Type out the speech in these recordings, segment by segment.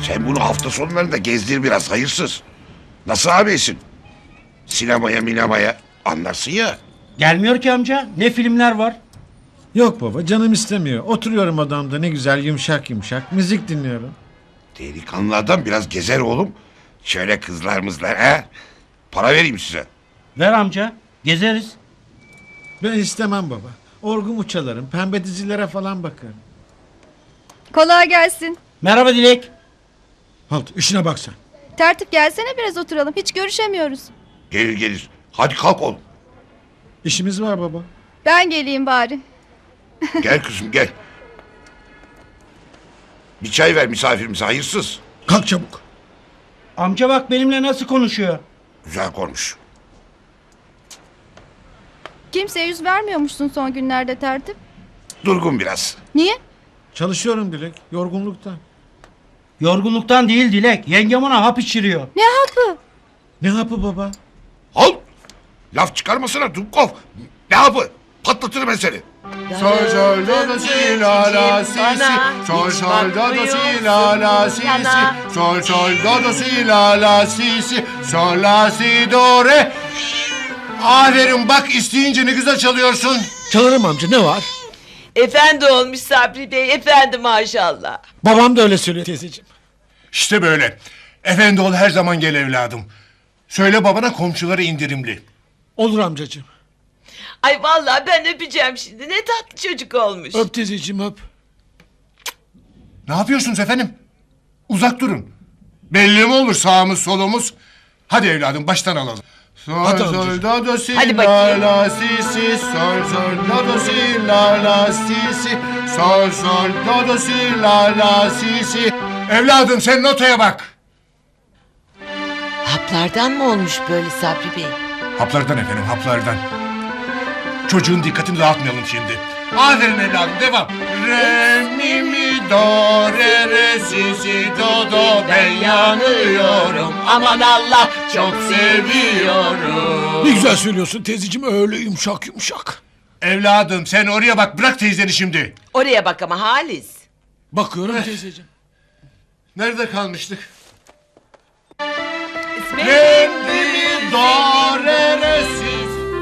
Sen bunu hafta sonlarında gezdir biraz, hayırsız. Nasıl ağabeysin? Sinemaya minemaya anlarsın ya. Gelmiyor ki amca. Ne filmler var? Yok baba, canım istemiyor. Oturuyorum odamda ne güzel yumuşak yumuşak müzik dinliyorum. Delikanlı adam biraz gezer oğlum. Şöyle kızlar mızlar ha. Para vereyim size. Ver amca. Gezeriz. Ben istemem baba. Orgumu çalarım, pembe dizilere falan bakarım. Kolay gelsin. Merhaba Dilek. Halt, işine bak sen. Tertip gelsene biraz oturalım. Hiç görüşemiyoruz. Gelir gelir. Hadi kalk oğlum. İşimiz var baba. Ben geleyim bari. Gel kızım gel. Bir çay ver misafirimize, hayırsız. Kalk çabuk. Amca bak benimle nasıl konuşuyor. Güzel konuş. Kimseye yüz vermiyormuşsun son günlerde tertip. Durgun biraz. Niye? Çalışıyorum Dilek, yorgunluktan. Yorgunluktan değil Dilek. Yengem ona hap içiriyor. Ne hapı? Ne hapı baba? Al. Laf çıkarmasana Dumkov. Ne yapı? Patlatırım ben seni. Sol sol do do si la la si si. Sol sol do do si la la si si. Sol sol do do si la la si si. Sol la si do re. Aferin bak, isteyince ne güzel çalıyorsun. Çalarım amca, ne var? Efendi olmuş Sabri Bey, efendi maşallah. Babam da öyle söylüyor teyzeciğim. İşte böyle. Efendi ol, her zaman gel evladım. Söyle babana komşulara indirimli. Olur amcacığım. Ay vallahi ben öpeceğim şimdi, ne tatlı çocuk olmuş. Öp teyzeciğim öp. Ne yapıyorsunuz efendim? Uzak durun. Belli mi olur sağımız solumuz? Hadi evladım, baştan alalım. Sol Hadi sol amcacığım. do do si Hadi la bakayım. la si si. Sol sol do do si la la si si. Sol sol do do si la la si si. Evladım sen notaya bak. Haplardan mı olmuş böyle Sabri Bey? Haplardan efendim, haplardan. Çocuğun dikkatini dağıtmayalım şimdi. Aferin evladım, devam. Re mi mi do re re si si do do, ben yanıyorum. Aman Allah çok seviyorum. Ne güzel söylüyorsun teyzeciğim, öyle yumuşak yumuşak. Evladım sen oraya bak, bırak teyzeni şimdi. Oraya bak ama Halis. Bakıyorum teyzeciğim. Nerede kalmıştık? İsmet. Re mi do re re si.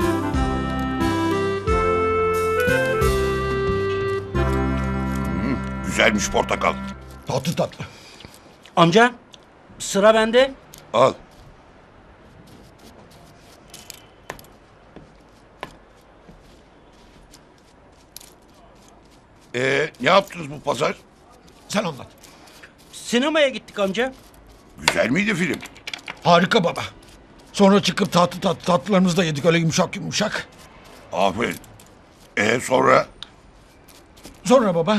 Güzelmiş portakal. Tatlı tatlı. Amca sıra bende. Al. Ne yaptınız bu pazar? Sen anlat. Sinemaya gittik amca. Güzel miydi film? Harika baba. Sonra çıkıp tatlılarımızı da yedik öyle yumuşak yumuşak. Aferin. Sonra? Sonra baba.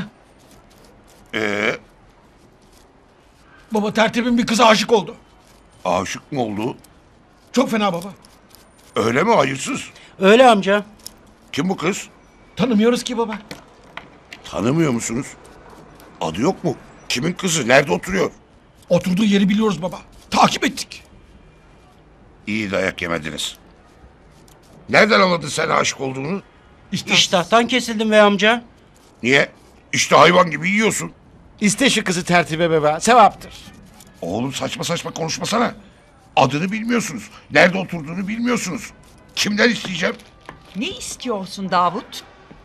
Baba tertibin bir kıza aşık oldu. Aşık mı oldu? Çok fena baba. Öyle mi, hayırsız? Öyle amca. Kim bu kız? Tanımıyoruz ki baba. Tanımıyor musunuz? Adı yok mu? Kimin kızı? Nerede oturuyor? Oturduğu yeri biliyoruz baba. Takip ettik. İyi dayak yemediniz. Nereden anladın sen aşık olduğunu? İştahtan kesildim ve amca. Niye? İşte hayvan gibi yiyorsun. İste şu kızı tertibe baba. Sevaptır. Oğlum saçma saçma konuşmasana. Adını bilmiyorsunuz. Nerede oturduğunu bilmiyorsunuz. Kimden isteyeceğim? Ne istiyorsun Davut?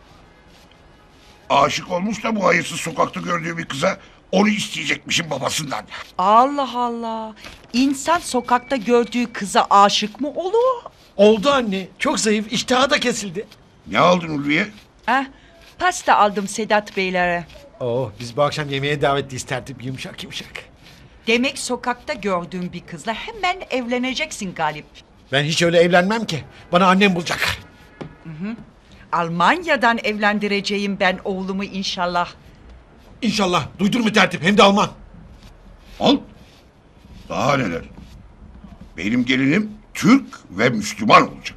Aşık olmuş da bu hayırsız sokakta gördüğü bir kıza onu isteyecekmişim babasından. Allah Allah. İnsan sokakta gördüğü kıza aşık mı olur? Oldu anne. Çok zayıf. İştahı da kesildi. Ne aldın Ulviye? Pasta aldım Sedat Beylere. Oh, biz bu akşam yemeğe davetliyiz tertip yumuşak yumuşak. Demek sokakta gördüğün bir kızla hemen evleneceksin Galip. Ben hiç öyle evlenmem ki. Bana annem bulacak. Almanya'dan evlendireceğim ben oğlumu inşallah. İnşallah. Duydun mu tertip? Hem de Alman. Al. Daha neler? Benim gelinim Türk ve Müslüman olacak.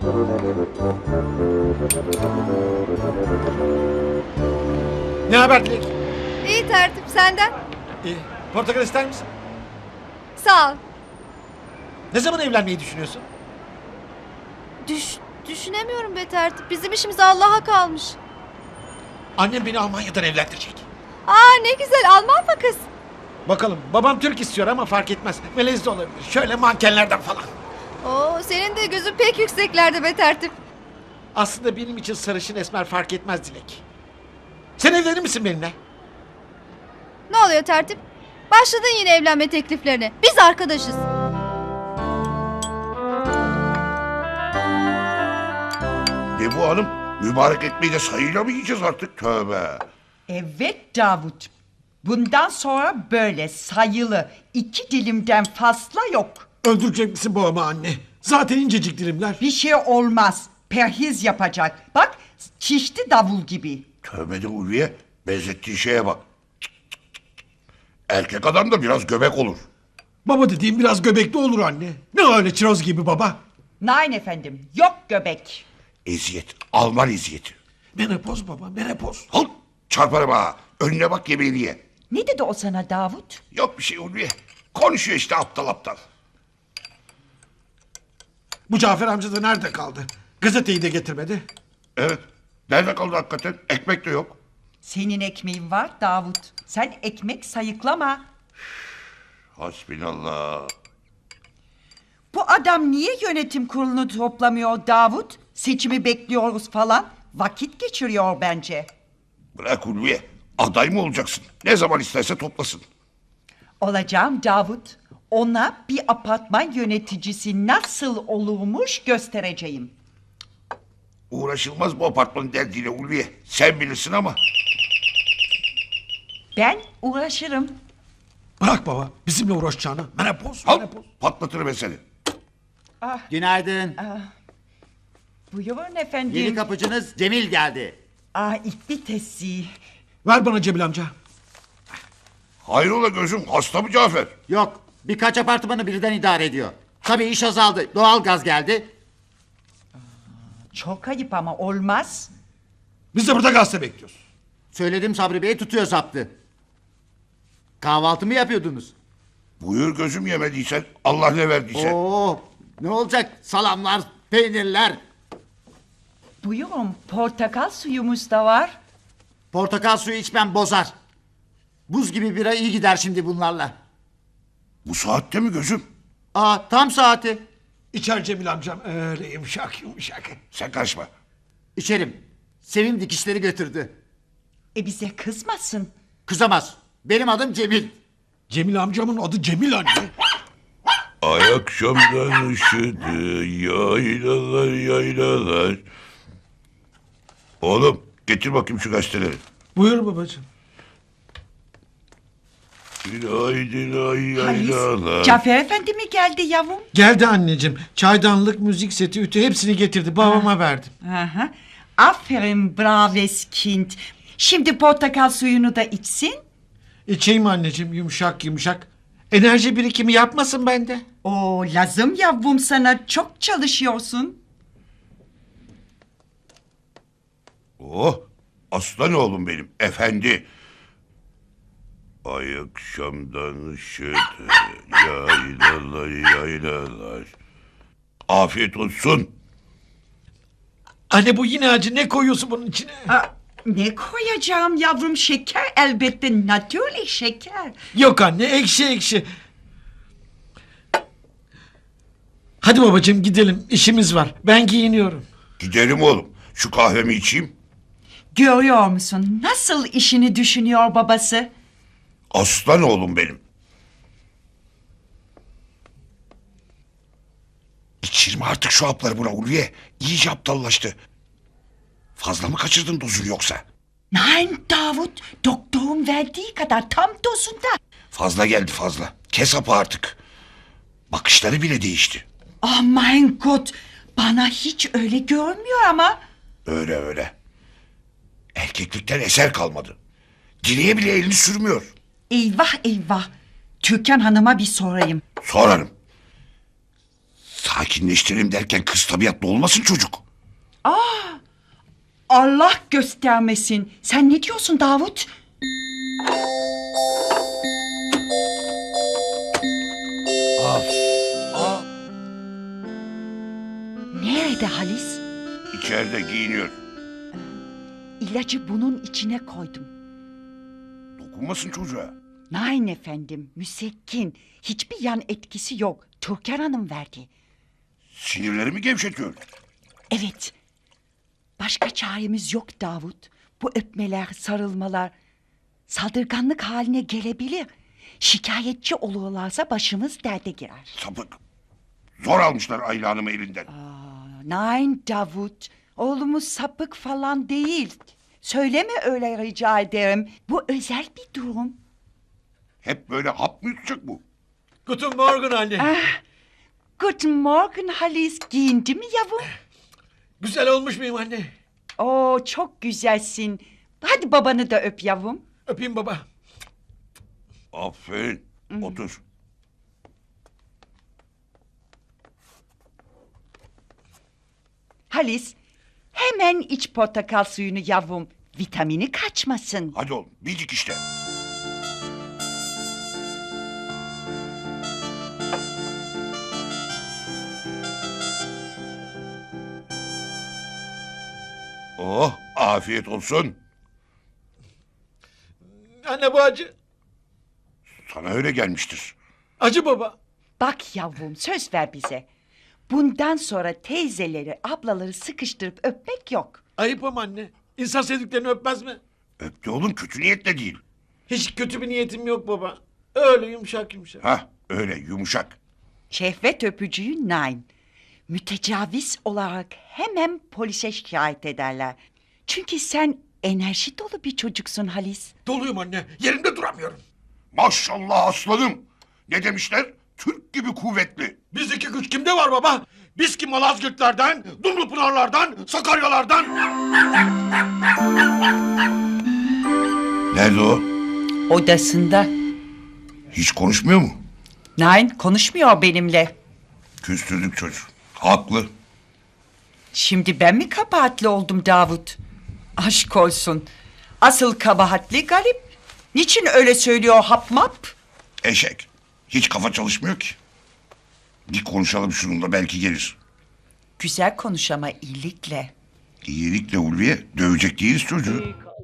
Ne haber Dilek? İyi tertip senden. Portakal ister misin? Sağ ol. Ne zaman evlenmeyi düşünüyorsun? Düşünemiyorum be tertip. Bizim işimiz Allah'a kalmış. Annem beni Almanya'dan evlendirecek. Aa ne güzel, Alman mı kız? Bakalım babam Türk istiyor ama fark etmez. Melez de olabilir. Şöyle mankenlerden falan. Oo, senin de gözün pek yükseklerde be tertip. Aslında benim için sarışın esmer fark etmez Dilek. Sen evlenir misin benimle? Ne oluyor tertip? Başladın yine evlenme tekliflerine. Biz arkadaşız. Ne bu hanım? Mübarek ekmeği de sayıyla mı yiyeceğiz artık? Tövbe. Evet Davut. Bundan sonra böyle sayılı 2 dilimden fazla yok. Öldürecek misin babamı anne? Zaten incecik dilimler. Bir şey olmaz. Perhiz yapacak. Bak şişti davul gibi. Tövbe de Ulviye. Benzettiğin şeye bak. Cık, cık, cık, cık. Erkek adam da biraz göbek olur. Baba dediğim biraz göbekli olur anne. Ne öyle çiroz gibi baba? Nein efendim. Yok göbek. Eziyet. Alman eziyeti. Menopoz baba menopoz. Al. Çarparım ha. Önüne bak yemeğini ye. Ne dedi o sana Davut? Yok bir şey Ulviye. Konuşuyor işte aptal aptal. Bu Cafer amca da nerede kaldı? Gazeteyi de getirmedi. Evet. Nerede kaldı hakikaten? Ekmek de yok. Senin ekmeğin var Davut. Sen ekmek sayıklama. Hasbinallah. Bu adam niye yönetim kurulunu toplamıyor Davut? Seçimi bekliyoruz falan. Vakit geçiriyor bence. Bırak Ulviye. Aday mı olacaksın? Ne zaman isterse toplasın. Olacağım Davut. Ona bir apartman yöneticisi nasıl olurmuş göstereceğim. Uğraşılmaz bu apartmanın derdiyle Ulviye. Sen bilirsin ama. Ben uğraşırım. Bırak baba bizimle uğraşacağını. Menopoz Al. menopoz. Patlatırım ben seni. Günaydın. Buyurun efendim. Yeni kapıcınız Cemil geldi. İlk vitesi. Ver bana Cebil amca. Hayrola gözüm hasta mı Cafer? Yok, birkaç apartmanı birden idare ediyor. Tabii iş azaldı. Doğalgaz geldi. Çok ayıp ama olmaz. Biz de burada gazete bekliyoruz. Söyledim Sabri Bey tutuyor saptı. Kahvaltı mı yapıyordunuz? Buyur gözüm yemediysen Allah ne verdiyse. Oo, ne olacak? Salamlar, peynirler. Buyurun portakal suyumuz da var. Portakal suyu içmem bozar. Buz gibi bira iyi gider şimdi bunlarla. Bu saatte mi gözüm? Tam saati. İçer Cemil amcam öyle yumuşak yumuşak. Sen karışma. İçerim. Sevim dikişleri götürdü. Bize kızmasın. Kızamaz. Benim adım Cemil. Cemil amcamın adı Cemil anne. Ay akşamdan ışıdı yaylalar yaylalar. Oğlum getir bakayım şu gazeteleri. Buyur babacığım. Günaydın ay Halis, yaylalar. Cafer Efendi mi geldi yavrum? Geldi anneciğim. Çaydanlık, müzik seti, ütü hepsini getirdi. Babama verdim. Aha. Aferin braves kind. Şimdi portakal suyunu da içsin. İçeyim anneciğim yumuşak yumuşak. Enerji birikimi yapmasın bende. O lazım yavrum sana çok çalışıyorsun. Oh aslan oğlum benim efendi. Ay akşamdan ışıdı yaylalar yaylalar. Afiyet olsun. Anne bu yine acı ne koyuyorsun bunun içine? Ne koyacağım yavrum şeker elbette natürlik şeker. Yok anne ekşi ekşi. Hadi babacığım gidelim işimiz var. Ben giyiniyorum. Gidelim oğlum. Şu kahvemi içeyim. Görüyor musun nasıl işini düşünüyor babası? Aslan oğlum benim. İçirme artık şu hapları buna Ulviye. İyice aptallaştı. Fazla mı kaçırdın dozunu yoksa? Nein Davut doktorun verdiği kadar tam dozunda. Fazla geldi fazla. Kes hapı artık. Bakışları bile değişti. Oh mein Gott bana hiç öyle görmüyor ama. Öyle öyle. Erkeklikten eser kalmadı. Dileğe bile elini sürmüyor. Eyvah eyvah. Türkan Hanım'a bir sorayım. Sorarım. Sakinleştirelim derken kız tabiatlı olmasın çocuk. Allah göstermesin. Sen ne diyorsun Davut? Nerede Halis? İçeride giyiniyor. İlacı bunun içine koydum. Dokunmasın çocuğa. Nein efendim, müsekkin. Hiçbir yan etkisi yok. Türkan Hanım verdi. Sinirlerimi gevşetiyor. Evet. Başka çaremiz yok Davut. Bu öpmeler, sarılmalar saldırganlık haline gelebilir. Şikayetçi olurlarsa başımız derde girer. Sapık. Zor almışlar Ayla Hanım'ı elinden. Nein Davut. Oğlumuz sapık falan değil. Söyleme öyle rica ederim. Bu özel bir durum. Hep böyle hap mı yutacak bu? Guten Morgen anne. Guten Morgen Halis. Giyindi mi yavrum? Güzel olmuş muyum anne? Oo çok güzelsin. Hadi babanı da öp yavrum. Öpeyim baba. Aferin. Otur. Halis hemen iç portakal suyunu yavrum. Vitamini kaçmasın. Hadi oğlum bildik işte. Oh afiyet olsun. Anne bu acı. Sana öyle gelmiştir. Acı baba. Bak yavrum söz ver bize. Bundan sonra teyzeleri, ablaları sıkıştırıp öpmek yok. Ayıp ama anne. İnsan sevdiklerini öpmez mi? Öptü oğlum kötü niyetle değil. Hiç kötü bir niyetim yok baba. Öyle yumuşak yumuşak. Hah öyle yumuşak. Şehvet öpücüğü nein. Mütecaviz olarak hemen polise şikayet ederler. Çünkü sen enerji dolu bir çocuksun Halis. Doluyum anne. Yerimde duramıyorum. Maşallah aslanım. Ne demişler? Türk gibi kuvvetli. Bizdeki güç kimde var baba? Biz ki Malazgirtlerden, Dumlupınarlardan, Sakaryalardan. Nerede o? Odasında. Hiç konuşmuyor mu? Nein konuşmuyor benimle. Küstürdük çocuğu. Haklı. Şimdi ben mi kabahatli oldum Davut? Aşk olsun. Asıl kabahatli Galip. Niçin öyle söylüyor hap map? Eşek. Hiç kafa çalışmıyor ki. Bir konuşalım şununla belki gelir. Güzel konuş ama iyilikle. İyilikle Ulviye dövecek değiliz çocuğu.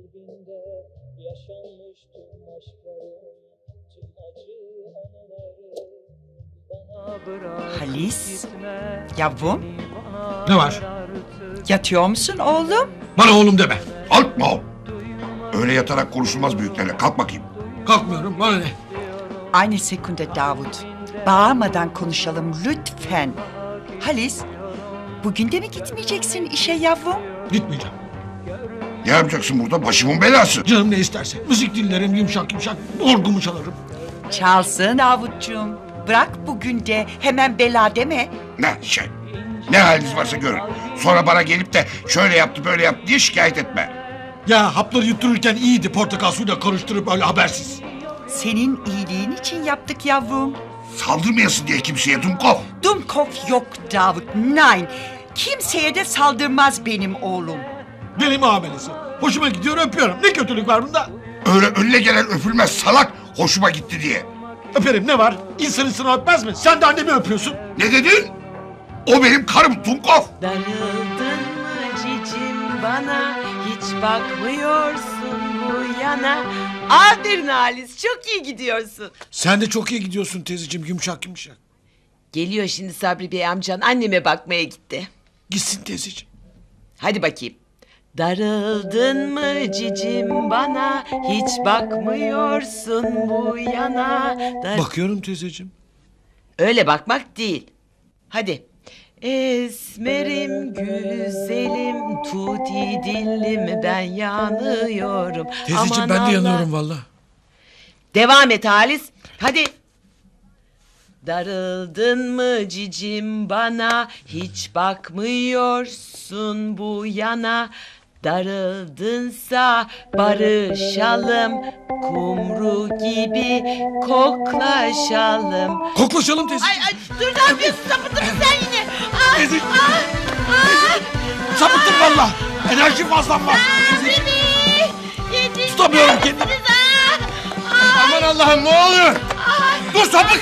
Halis. Yavrum Ne var? yatıyor musun oğlum? Bana oğlum deme. Kalkma oğlum. Öyle yatarak konuşulmaz büyüklerle. Kalk bakayım. Kalkmıyorum. Bana ne? Aynı sekunde Davut. Bağırmadan konuşalım lütfen. Halis, bugün de mi gitmeyeceksin işe yavrum? Gitmeyeceğim. Ne yapacaksın burada? Başımın belası. Canım ne isterse. Müzik dinlerim yumuşak yumuşak. Orgumu çalarım. Çalsın Davutcuğum. Bırak bugün de hemen bela deme. Ne şey? Ne haliniz varsa görün. Sonra bana gelip de şöyle yaptı böyle yaptı diye şikayet etme. Ya hapları yuttururken iyiydi portakal suyla karıştırıp öyle habersiz. Senin iyiliğin için yaptık yavrum. Saldırmayasın diye kimseye Dumkov. Dumkov yok Davut, nein. Kimseye de saldırmaz benim oğlum. Deli muamelesi. Hoşuma gidiyor öpüyorum. Ne kötülük var bunda? Öyle önüne gelen öpülmez salak. Hoşuma gitti diye. Öperim ne var? İnsan insana öpmez mi? Sen de annemi öpüyorsun. Ne dedin? O benim karım Dumkov. Darıldın mı cicim bana, hiç bakmıyorsun bu yana. Aferin Halis, çok iyi gidiyorsun. Sen de çok iyi gidiyorsun teyzeciğim yumuşak yumuşak. Geliyor şimdi Sabri Bey amcan, anneme bakmaya gitti. Gitsin teyzeciğim. Hadi bakayım. Darıldın mı cicim bana, hiç bakmıyorsun bu yana. Bakıyorum teyzeciğim. Öyle bakmak değil. Hadi. Esmerim güzelim, tuti dillim ben yanıyorum. Teyzeciğim Aman ben de Allah. yanıyorum valla. Devam et Halis. Hadi. Darıldın mı cicim bana, hiç bakmıyorsun bu yana. Darıldınsa barışalım, kumru gibi koklaşalım. Koklaşalım teyzeciğim. Ay dur ne yapıyorsun, sapıttın mı sen yine? Teyzeciğim. Sapıttım valla. Enerjim fazlam var. Teyzeciğim. Tutamıyorum kendimi. Aman Allah'ım ne oluyor? Dur sapık.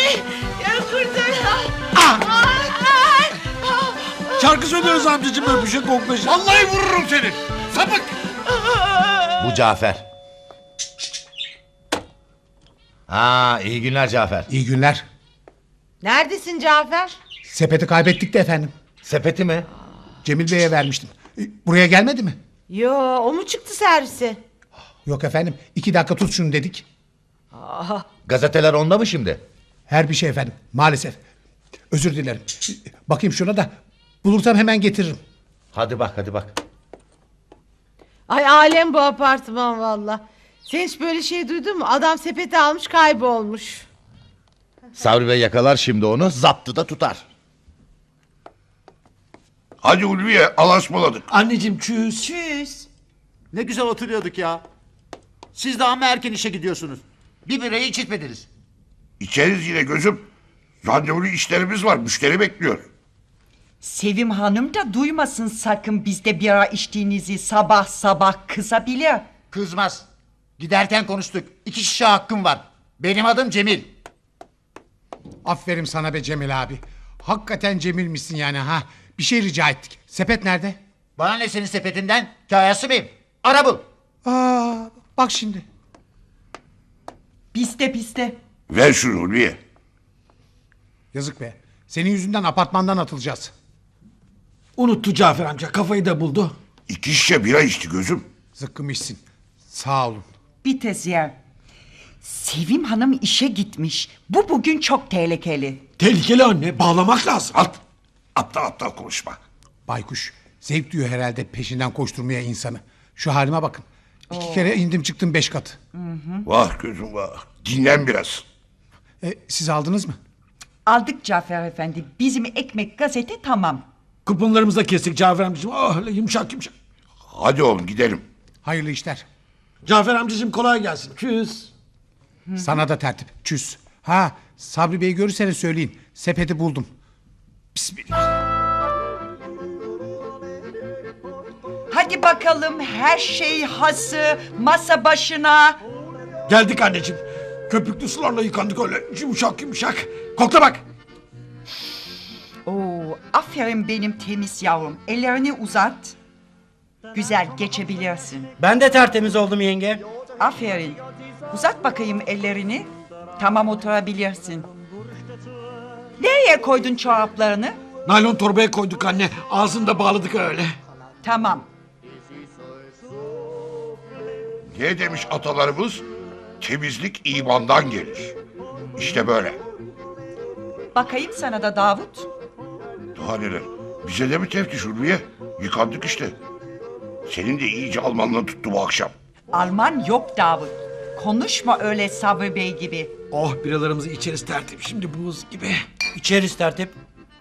Şarkı söylüyoruz amcacığım öpüşe koklaşa. Vallahi vururum seni. Sapık. Bu Cafer. Ha, iyi günler Cafer. İyi günler. Neredesin Cafer? Sepeti kaybettik de efendim. Sepeti mi? Cemil Bey'e vermiştim. Buraya gelmedi mi? Yo, o mu çıktı servise? Yok efendim. 2 dakika tut şunu dedik. Gazeteler onda mı şimdi? Her bir şey efendim. Maalesef. Özür dilerim. Bakayım şuna da. Bulursam hemen getiririm. Hadi bak, hadi bak. Ay alem bu apartman valla. Sen hiç böyle şey duydun mu? Adam sepeti almış kaybolmuş. Sabri Bey yakalar şimdi onu, zaptı da tutar. Hadi Ulviye alaşmaladık. Anneciğim çüz. Çüz. Ne güzel oturuyorduk ya. Siz de ama erken işe gidiyorsunuz. Bir birayı içirtmediniz. İçeriz yine gözüm. Randevulu işlerimiz var. Müşteri bekliyor. Sevim Hanım da duymasın sakın bizde bira içtiğinizi sabah sabah kızabilir. Kızmaz. Giderken konuştuk. 2 şişe hakkım var. Benim adım Cemil. Aferin sana be Cemil abi. Hakikaten Cemilmişsin yani ha. Bir şey rica ettik. Sepet nerede? Bana ne senin sepetinden? Kayası mıyım? Ara bul. Aa, bak şimdi. Bizde. Ver şunu Ulviye. Yazık be. Senin yüzünden apartmandan atılacağız. Unuttu Cafer amca, kafayı da buldu. 2 şişe bira içti gözüm. Zıkkımışsın. Sağ olun. Bir tez yer. Sevim Hanım işe gitmiş. Bu bugün çok tehlikeli. Tehlikeli anne, bağlamak lazım. At. Aptal konuşma. Baykuş. Zevk duyuyor herhalde peşinden koşturmaya insanı. Şu halime bakın. 2 kere indim çıktım 5 kat. Vah gözüm vah. Dinlen biraz. Siz aldınız mı? Aldık Cafer Efendi. Bizim ekmek gazete tamam. Kuponlarımızı da kestik Cafer amcacığım. Oh, öyle yumuşak yumuşak. Hadi oğlum gidelim. Hayırlı işler. Cafer amcacığım kolay gelsin. Çüz. Sana da tertip. Çüz. Ha, Sabri Bey'i görürseniz söyleyin. Sepeti buldum. Bismillah. Hadi bakalım her şey hazır. Masa başına. Geldik anneciğim. Köpüklü sularla yıkandık öyle yumuşak yumuşak. Kokla bak. Oo, aferin benim temiz yavrum. Ellerini uzat. Güzel geçebilirsin. Ben de tertemiz oldum yenge. Aferin. Uzat bakayım ellerini. Tamam oturabilirsin. Nereye koydun çoraplarını? Naylon torbaya koyduk anne. Ağzını da bağladık öyle. Tamam. Ne demiş atalarımız? Temizlik imandan gelir. İşte böyle. Bakayım sana da Davut. Daha neler? Bize de mi teftiş Ulviye? Yıkandık işte. Senin de iyice Almanla tuttu bu akşam. Alman yok Davut. Konuşma öyle Sabri Bey gibi. Oh, biralarımızı içeriz tertip. Şimdi buz gibi. İçeriz tertip.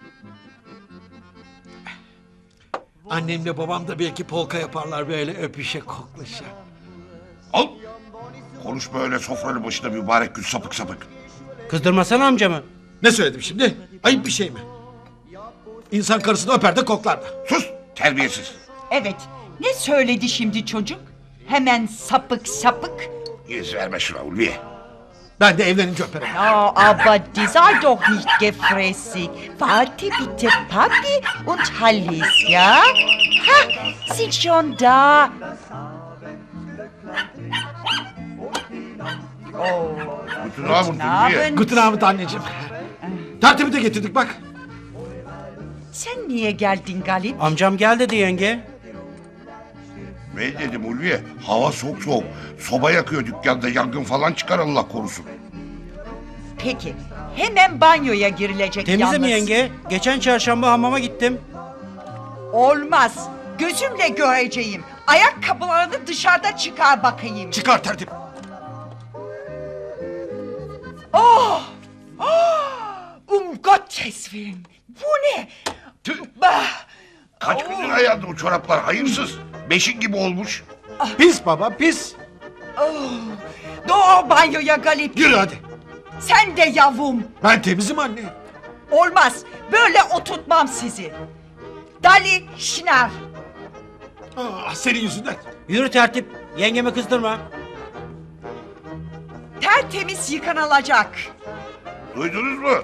Annemle babam da belki polka yaparlar böyle öpüşe koklaşa. Al. Konuşma öyle sofranın başında mübarek gül sapık sapık. Kızdırmasana amcamı. Ne söyledim şimdi? Ayıp bir şey mi? İnsan karısını öper de koklar da. Sus terbiyesiz. Evet. Ne söyledi şimdi çocuk? Hemen sapık sapık. Yüz verme şuna Ulviye. Ben de evlenince öperim. Oh, aber die sei doch nicht gefräßig. Warte bitte, Papi und Hallis, ja? Ha, sind schon da. Bütün ağabey Ulviye. Abend. Guten Abend anneciğim. Tertibi de getirdik bak. Sen niye geldin Galip? Amcam gel dedi yenge. Ben dedim Ulviye. Hava soğuk. Soba yakıyor dükkanda, yangın falan çıkar Allah korusun. Peki, hemen banyoya girilecek Temizle yalnız. mi yenge? Geçen çarşamba hamama gittim. Olmaz. Gözümle göreceğim. Ayakkabılarını dışarıda çıkar bakayım. Çıkar tertip. Gottes Willen. Bu ne? Tüh. Bah! Kaç gündür ayağında o çoraplar hayırsız. Beşin gibi olmuş. Pis baba pis. Doğru banyoya Galip. Yürü hadi. Sen de yavrum. Ben temizim anne. Olmaz. Böyle oturtmam sizi. Dali Şınar. Ah, senin yüzünden. Yürü tertip. Yengemi kızdırma. Tertemiz yıkanılacak. Duydunuz mu?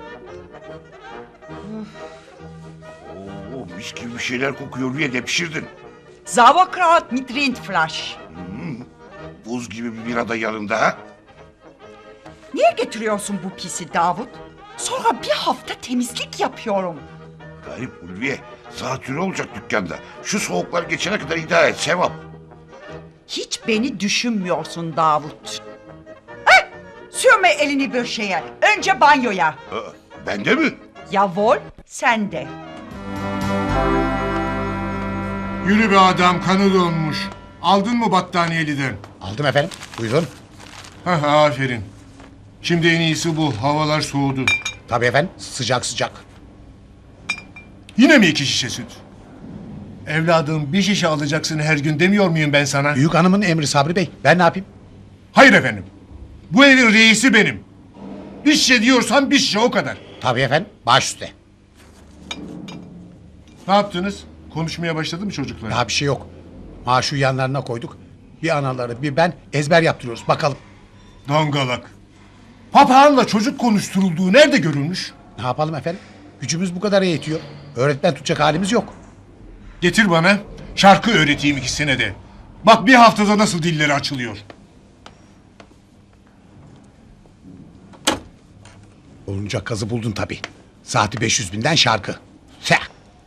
Oo, mis gibi bir şeyler kokuyor diye de pişirdin. Sauerkraut mit Rindfleisch. Buz gibi bir bira da yanında ha? Niye getiriyorsun bu pisi Davut? Sonra bir hafta temizlik yapıyorum. Garip Ulviye. Zatürre olacak dükkanda. Şu soğuklar geçene kadar idare et sevap. Hiç beni düşünmüyorsun Davut. Heh, sürme elini bir şeye. Önce banyoya. Bende mi? Yavol, sen de. Yürü be adam, kanı donmuş. Aldın mı battaniyeliden? Aldım efendim. Buyurun. Hah, aferin. Şimdi en iyisi bu. Havalar soğudu. Tabii efendim. Sıcak sıcak. Yine mi 2 şişe süt? Evladım, bir şişe alacaksın her gün demiyor muyum ben sana? Büyük hanımın emri Sabri Bey. Ben ne yapayım? Hayır efendim. Bu evin reisi benim. Bir şişe diyorsam bir şişe, o kadar. Tabii efendim. Baş üstte. Ne yaptınız? Konuşmaya başladı mı çocuklar? Daha bir şey yok. Maaşı yanlarına koyduk. Bir anaları bir ben ezber yaptırıyoruz. Bakalım. Dangalak. Papağanla çocuk konuşturulduğu nerede görülmüş? Ne yapalım efendim? Gücümüz bu kadar yetiyor. Öğretmen tutacak halimiz yok. Getir bana. Şarkı öğreteyim ikisine de. Bak bir haftada nasıl dilleri açılıyor. Olunca kazı buldun tabii. Saati 500.000'den şarkı. Seh.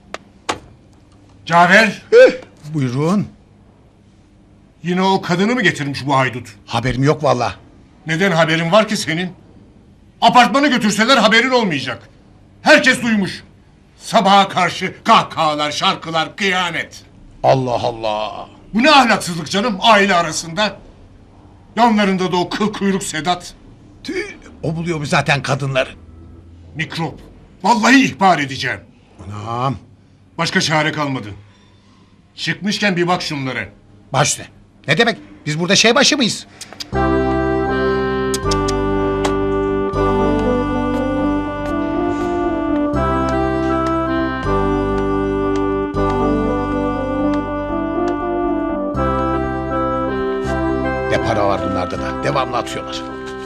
Cafer. Buyurun. Yine o kadını mı getirmiş bu haydut? Haberim yok vallahi. Neden haberin var ki senin? Apartmanı götürseler haberin olmayacak. Herkes duymuş. Sabaha karşı kahkahalar, şarkılar, kıyamet. Allah Allah. Bu ne ahlaksızlık canım aile arasında? Yanlarında da o kıl kuyruk Sedat. Tüh, o buluyor mu zaten kadınları? Mikrop. Vallahi ihbar edeceğim. Anam. Başka çare kalmadı. Çıkmışken bir bak şunlara. Baş üstte. Ne demek? Biz burada şey başı mıyız? Ne para var bunlarda da. Devamlı atıyorlar.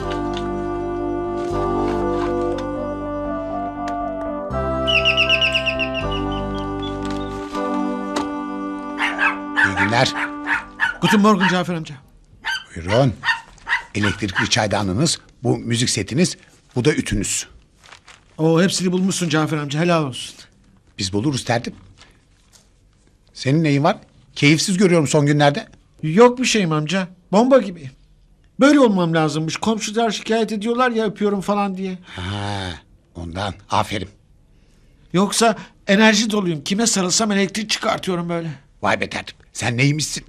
İyi günler. Guten Morgen Cafer amca. Buyurun. Elektrikli çaydanlığınız, bu müzik setiniz, bu da ütünüz. Oo, hepsini bulmuşsun Cafer amca, helal olsun. Biz buluruz tertip. Senin neyin var? Keyifsiz görüyorum son günlerde. Yok bir şeyim amca. Bomba gibi. Böyle olmam lazımmış. Komşular şikayet ediyorlar ya öpüyorum falan diye. Ha, ondan. Aferin. Yoksa enerji doluyum. Kime sarılsam elektrik çıkartıyorum böyle. Vay be tertip. Sen neymişsin?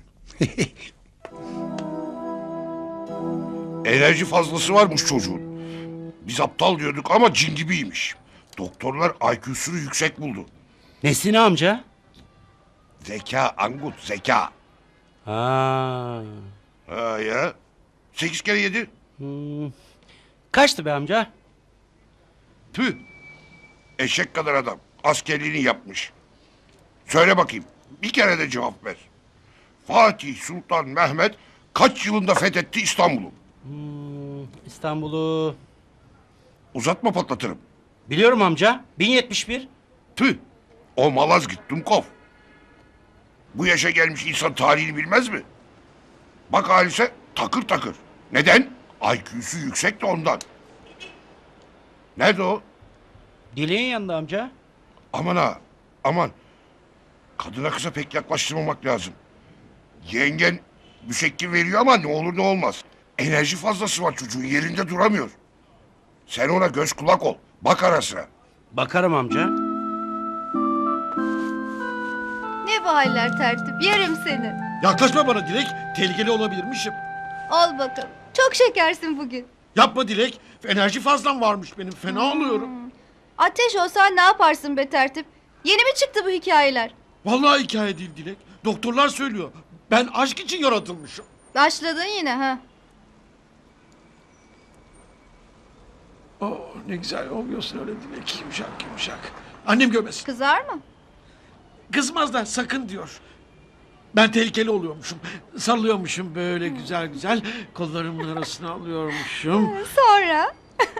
Enerji fazlası varmış çocuğun. Biz aptal diyorduk ama cin gibiymiş. Doktorlar IQ'sunu yüksek buldu. Nesine amca? Zeka Angut, zeka. Ha. Ha ya. 8 kere 7. Kaçtı be amca? Tüh. Eşek kadar adam. Askerliğini yapmış. Söyle bakayım. Bir kere de cevap ver. Fatih Sultan Mehmet kaç yılında fethetti İstanbul'u? İstanbul'u... Uzatma patlatırım. Biliyorum amca. 1071. Tüh. O Malazgirt Dumkov. Bu yaşa gelmiş insan tarihini bilmez mi? Bak Halis'e takır takır. Neden? IQ'su yüksek de ondan. Nerede o? Dileğin yanında amca. Aman ha. Aman. Kadına kıza pek yaklaştırmamak lazım. Yengen müşekkil veriyor ama ne olur ne olmaz. Enerji fazlası var çocuğun, yerinde duramıyor. Sen ona göz kulak ol. Bak ara sıra. Bakarım amca. Ne bu haller tertip? Yerim seni. Yaklaşma bana Dilek. Tehlikeli olabilirmişim. Al bakalım. Çok şekersin bugün. Yapma Dilek. Enerji fazlam varmış benim. Fena oluyorum. Ateş olsan ne yaparsın be tertip? Yeni mi çıktı bu hikayeler? Vallahi hikaye değil Dilek. Doktorlar söylüyor. Ben aşk için yaratılmışım. Başladın yine ha. Oh, ne güzel oluyorsun öyle Dilek. Yumuşak yumuşak. Annem görmesin. Kızar mı? Kızmaz da sakın diyor. Ben tehlikeli oluyormuşum. Sallıyormuşum böyle güzel güzel. Kollarımın arasına alıyormuşum. Sonra?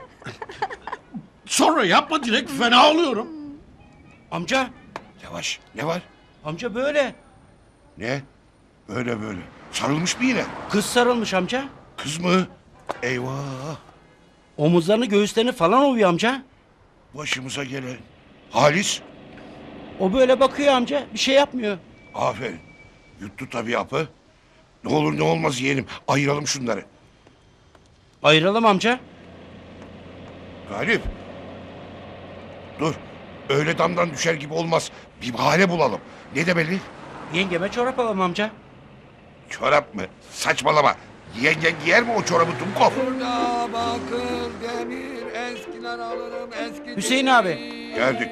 Sonra yapma Dilek, fena oluyorum. Amca. Yavaş. Ne var? Amca böyle. Ne? Böyle böyle. Sarılmış mı yine? Kız sarılmış amca. Kız mı? Eyvah. Omuzlarını göğüslerini falan ovuyor amca. Başımıza gelen. Halis. O böyle bakıyor amca. Bir şey yapmıyor. Aferin. Yuttu tabii hapı. Ne olur ne olmaz yeğenim. Ayıralım şunları. Ayıralım amca. Galip. Dur. Öyle damdan düşer gibi olmaz. Bir bahane bulalım. Ne demeli? Yengeme çorap alalım amca. Çorap mı? Saçmalama. Yengen giyer mi o çorabı Dumkov? Burada bakır, demir, eskiden alırım eski. Hüseyin abi. Geldik.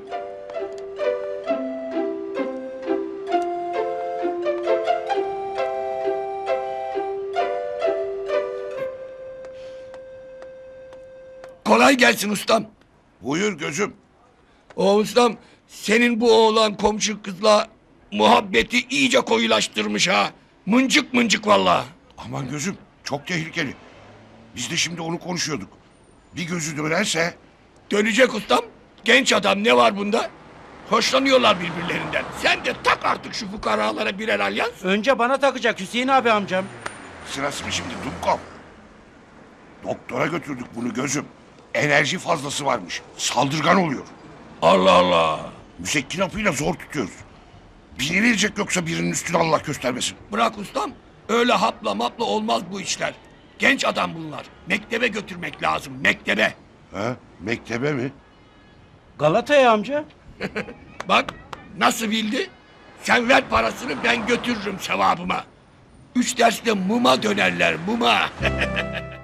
Kolay gelsin ustam. Buyur gözüm. O ustam senin bu oğlan komşu kızla muhabbeti iyice koyulaştırmış ha. Mıncık mıncık valla. Aman gözüm. Çok tehlikeli. Biz de şimdi onu konuşuyorduk. Bir gözü dönerse... Dönecek ustam. Genç adam ne var bunda? Hoşlanıyorlar birbirlerinden. Sen de tak artık şu fukaralara birer alyans. Önce bana takacak Hüseyin abi amcam. Sırası mı şimdi Dumkov? Doktora götürdük bunu gözüm. Enerji fazlası varmış. Saldırgan oluyor. Allah Allah. Müsekkin hapıyla zor tutuyoruz. Binilecek yoksa birinin üstüne Allah göstermesin. Bırak ustam. Öyle hapla mapla olmaz bu işler. Genç adam bunlar. Mektebe götürmek lazım. Mektebe. Ha? Mektebe mi? Galata'ya amca. Bak nasıl bildi? Sen ver parasını ben götürürüm sevabıma. 3 derste muma dönerler muma.